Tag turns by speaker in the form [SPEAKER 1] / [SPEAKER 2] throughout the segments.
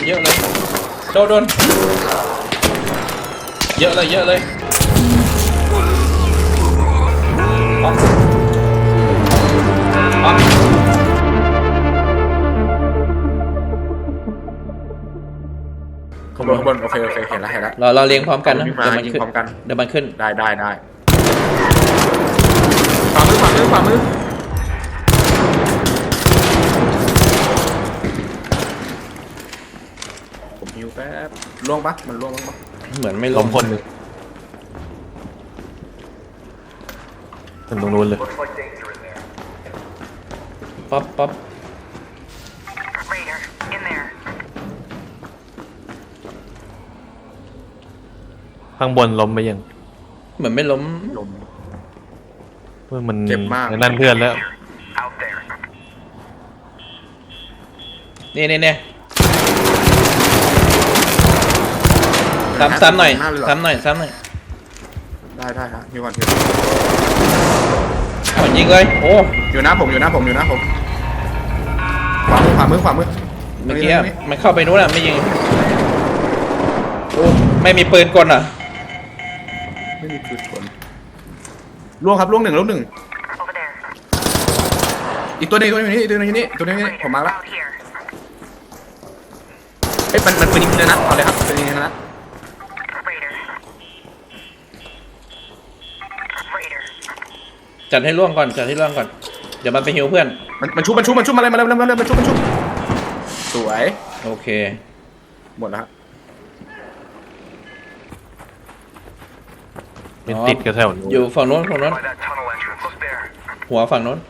[SPEAKER 1] เยอะเลยโดนเยอะเลยออก
[SPEAKER 2] ข้างบนโอเคเห็นแล้ว
[SPEAKER 1] เราเลี้ยงพร้อมกันนะ
[SPEAKER 2] เดี๋ยวมันขึ้นพร้อมกัน
[SPEAKER 1] เดี๋ยวมันขึ้น
[SPEAKER 2] ได้ฝ่ามือผมหิวแป๊บล่วงปะมันล่วงปะ
[SPEAKER 1] เหมือนไม่
[SPEAKER 3] ล้มคนหนึ่งตรงนู้นเลย
[SPEAKER 1] ป๊อป
[SPEAKER 3] ข้างบนล้มไปยัง
[SPEAKER 1] เหมือนไม่ล้ม
[SPEAKER 2] ลม
[SPEAKER 3] เพื่อมัน
[SPEAKER 2] เจ็บมาก
[SPEAKER 3] นั่นเพื่อนแล้ว
[SPEAKER 1] นี่ซ้ำหน่อย
[SPEAKER 2] ได้ฮะหิวก่อน
[SPEAKER 1] ยิงเลยโอ้
[SPEAKER 2] อยู่หน้าผมขวามือ
[SPEAKER 1] เมื่อกี้มันเข้าไปนู้นไม่ยิงโอ้ไม่มีปืนกลอ่ะ
[SPEAKER 2] ไม่มีปืนกลล่วงครับล่วงหนึ่งอีกตัวนึงอยู่นี่ผมมาแล้วเฮ้ยมันปืนยิงเลยนะเอาเลยครับปืนยิงนะ
[SPEAKER 1] จัดให้ล่วงก่อนเดี๋ยวมันไปฮิวเพื่อน
[SPEAKER 2] มันชุบมาเลยมันชุบสวย
[SPEAKER 1] โอเค
[SPEAKER 2] หมดแล้ว
[SPEAKER 3] เป็นติดกับแถวนู้น
[SPEAKER 1] อยู่ฝั่งโน้นหัวฝั่งโน้น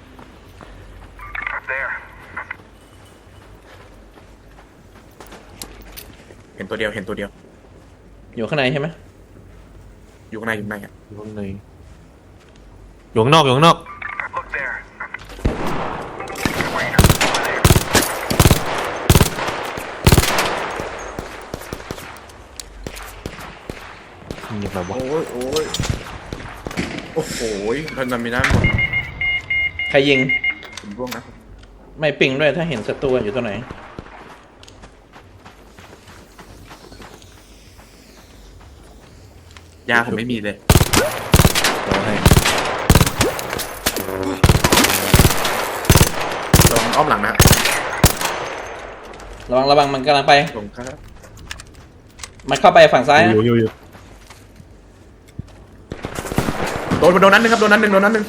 [SPEAKER 2] เห็นตัวเดียว
[SPEAKER 1] อยู่ข้างในใช่ไหม
[SPEAKER 2] อยู่ข้างในอ่ะ
[SPEAKER 3] อยู่ข้างในอยู่ข้างนอกนี่แบบว่า
[SPEAKER 2] โอ้โหมันมีน้ำหมด
[SPEAKER 1] ใครยิง
[SPEAKER 2] ผมร่วงนะ
[SPEAKER 1] ไม่ปิงด้วยถ้าเห็นศัตรูอยู่ตรงไหน
[SPEAKER 2] ยาผมไม่มีเลย
[SPEAKER 3] เราให้
[SPEAKER 2] ลองอ้อมหลังนะ
[SPEAKER 1] ระวังมันกำลังไป
[SPEAKER 2] ลงครับ
[SPEAKER 1] มันเข้าไปฝั่งซ้ายนะ
[SPEAKER 3] อยู่
[SPEAKER 2] โดนนั้นหนึ่งครับโดนนั้นหนึ่ง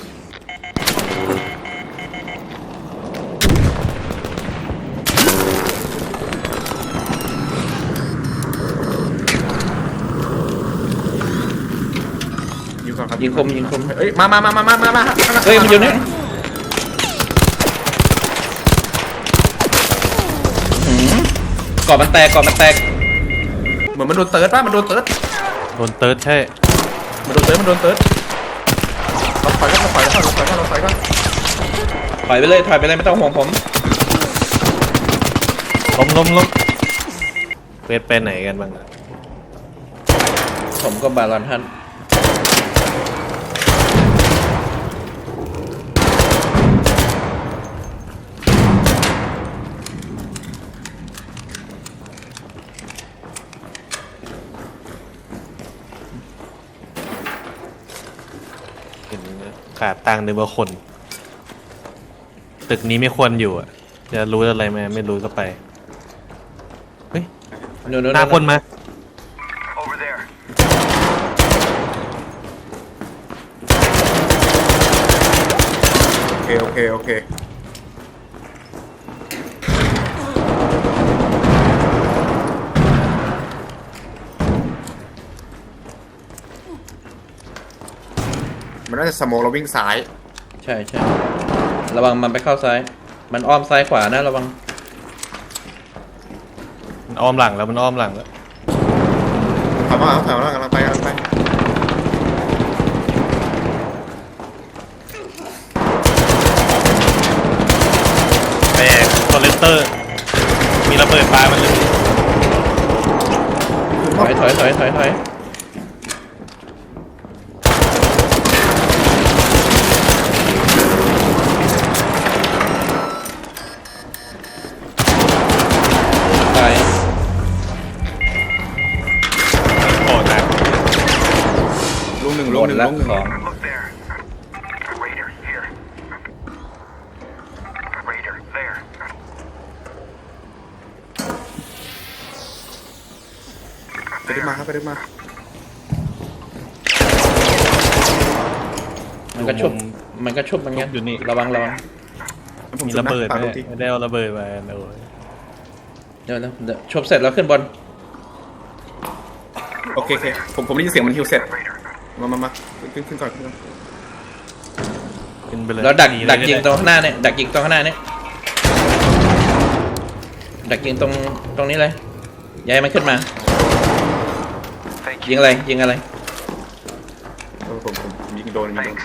[SPEAKER 2] ยิงก่อนครับ
[SPEAKER 1] ยิงคม
[SPEAKER 2] เอ้ยมา
[SPEAKER 1] เฮ้ยมันอยู่นี่กรอบมันแตก
[SPEAKER 2] เหมือนมันโดนเติร์ดป่ะมันโดนเติร์ด
[SPEAKER 3] โดนเติร์ดใช่
[SPEAKER 2] มันโดนเติร์ดเราถอยก่อน
[SPEAKER 1] ถอยไปเลยไม่ต้องห่วงผม
[SPEAKER 3] ล้มเวทไปไหนกันบ้างอะ
[SPEAKER 1] ผมก็บาลอนท่าน
[SPEAKER 3] เห็นขาดตังค์นึกว่าคน ตึกนี้ไม่ควรอยู่อ่ะจะรู้อะไรไหมไม่รู้ก็ไปเฮ้ย
[SPEAKER 1] นู่น
[SPEAKER 3] หน้าคนมา
[SPEAKER 2] โอเคมันน่าจะสโมเราวิ่งซ้าย
[SPEAKER 1] ใช่ระวังมันไปเข้าซ้ายมันอ้อมซ้ายขวานะระวัง
[SPEAKER 3] มันอ้อมหลังแล้ว
[SPEAKER 2] ถอยมากำลังไป
[SPEAKER 3] แต่คอเลสเตอร์ มีระเบิดปลามันเลย
[SPEAKER 1] ถอยตาย
[SPEAKER 2] นึ่ง
[SPEAKER 1] ละ
[SPEAKER 2] ลงหนึ่ง
[SPEAKER 1] ของ
[SPEAKER 4] Look there. Raider, here. Raider, there.
[SPEAKER 2] ไปได้มาครับไปได้มา
[SPEAKER 1] มันก็ชุบมันก็ชุบมันงั้น
[SPEAKER 3] อยู่นี่
[SPEAKER 1] ระวัง
[SPEAKER 2] ผม
[SPEAKER 3] มี
[SPEAKER 2] จุ
[SPEAKER 3] ระเบิด
[SPEAKER 2] ปา
[SPEAKER 3] ไหม
[SPEAKER 2] ลูกที่
[SPEAKER 3] ไม่ได้เอาระเบิดมาโอ้ย
[SPEAKER 1] เดี๋ยวชุบเสร็จแล้วขึ้นบน
[SPEAKER 2] โอเคโอเคผมได้ยินเสียงมันฮิวเสร็จมาขึ้นก่อนขึ้นก่อน
[SPEAKER 3] ขึ้นไปเลย
[SPEAKER 1] แล้วดัก
[SPEAKER 3] หนี
[SPEAKER 1] ดักยิงต
[SPEAKER 3] เล
[SPEAKER 1] รงข้างหน้าเนี่ยดักยิงตรงข้างหน้าเนี่ยดักยิงตรงนี้เลยอย่าให้มันขึ้นมา
[SPEAKER 4] Thank
[SPEAKER 1] ยิ
[SPEAKER 4] you.
[SPEAKER 1] งอะไรยิงอะไร
[SPEAKER 2] ผมยิงโดน
[SPEAKER 4] Thanks.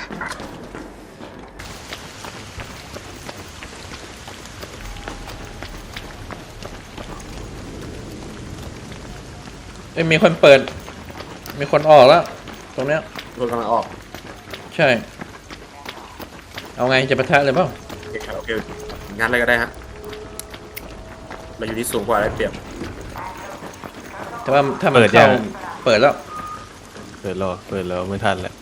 [SPEAKER 1] เอ้ยมีคนเปิด มีคนออกแล้ว ตรงเนี้ย
[SPEAKER 2] โดนกำลังออก
[SPEAKER 1] ใช่ เอาไงจะปะทะเลยเปล่า
[SPEAKER 2] โอเคครับโอเคงานอะไรก็ได้ฮะเราอยู่ที่สูงกว่าได้เปรียบ
[SPEAKER 1] แต่ว่าถ้ามันเข้าเปิดแล้ว
[SPEAKER 3] เปิดแล้วไม่ทันแล้ว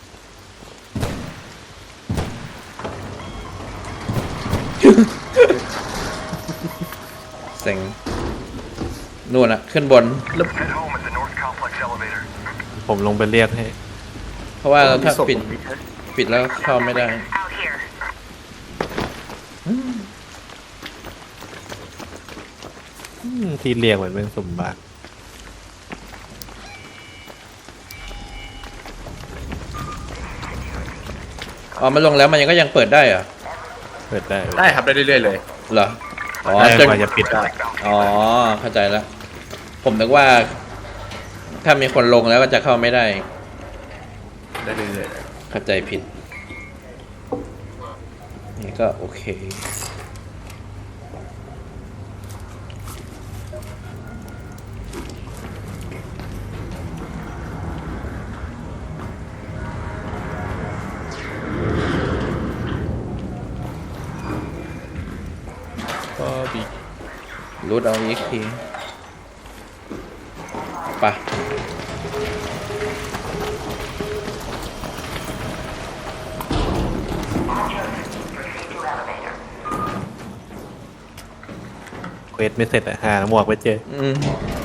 [SPEAKER 1] เซ็งนู่นอะขึ้นบน
[SPEAKER 4] Head home at the North Complex elevator.
[SPEAKER 3] ผมลงไปเรียกให้
[SPEAKER 1] เพราะว่าถ้า
[SPEAKER 2] ศพ
[SPEAKER 1] ปิดแล้วเข้าไม่ได้
[SPEAKER 5] Out here.
[SPEAKER 3] ที่เรียกเหมือนเป็นสมบัติ
[SPEAKER 1] อ๋อมันลงแล้วมันยังก็ยังเปิดได้เหรอ
[SPEAKER 3] เปิดได้
[SPEAKER 2] ได้ครับได้เรื่อยๆเลย
[SPEAKER 1] เหรอ อ๋อ
[SPEAKER 3] ได้
[SPEAKER 1] จน
[SPEAKER 3] กว่าจะปิดได้
[SPEAKER 1] อ๋อ เข้าใจแล้ว ผมนึกว่า ถ้ามีคนลงแล้วก็จะเข้าไม่ได้
[SPEAKER 2] ได้เรื่อย
[SPEAKER 1] เข้าใจผิด นี่ก็โอเค
[SPEAKER 3] ก็บี
[SPEAKER 1] รูดเอาอีกทีไปะ
[SPEAKER 3] เควสไม่เสร็จอะหาหมวกไปเจอ
[SPEAKER 1] อืม